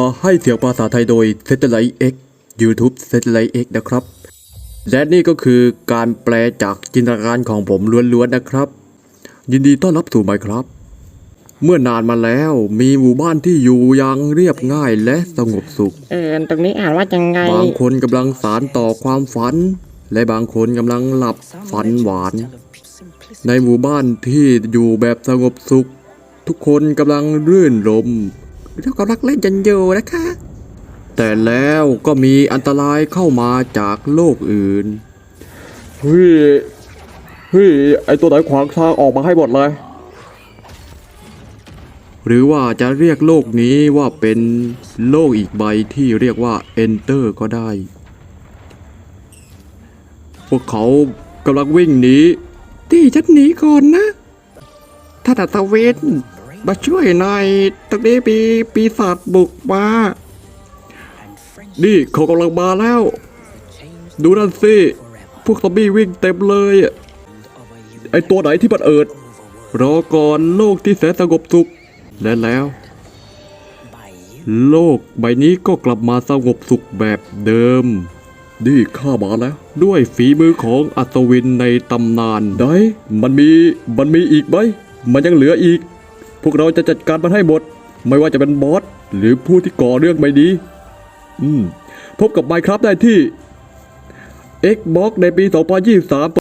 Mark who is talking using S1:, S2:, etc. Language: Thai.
S1: ให้เสียงภาษาไทยโดย Satellite X YouTube Satellite X นะครับและนี่ก็คือการแปลจากจินตนาการของผมล้วนๆนะครับ ยินดีต้อนรับสู่ Minecraft เมื่อนานมาแล้วมีหมู่บ้านที่อยู่อย่างเรียบง่ายและสงบสุข
S2: ตรงนี้อ่านว่ายังไง
S1: บางคนกำลังสานต่อความฝันและบางคนกำลังหลับฝันหวานในหมู่บ้านที่อยู่แบบสงบสุขทุกคนกำลังรื่นรมแล้วกำลังเล่นกันอยู่นะคะแต่แล้วก็มีอันตรายเข้ามาจากโลกอื่น
S3: เฮ้ยไอตัวไหนขวางทางออกมาให้หมดเลย
S1: หรือว่าจะเรียกโลกนี้ว่าเป็นโลกอีกใบที่เรียกว่า Enter ก็ได้พวกเขากำลังวิ่งหนีที่ฉันหนีก่อนนะท่านอัศวินมาช่วยหน่อยตรงนี้มีปีศาจบุกมานี่เขากำลังมาแล้วดูนั่นสิพวกซอมบี้วิ่งเต็มเลย
S3: ไอตัวไหนที่มัน
S1: รอก่อนโลกที่แสนสงบสุขและแล้วโลกใบนี้ก็กลับมาสงบสุขแบบเดิมนี่ข้ามาแล้วด้วยฝีมือของอัศวินในตำนานได้
S3: มันมีอีกไหมมันยังเหลืออีกพวกเราจะจัดการมันให้หมดไม่ว่าจะเป็นบอสหรือผู้ที่ก่อเรื่องไม่ดีพบกับ Minecraft ได้ที่ Xbox ในปี 2023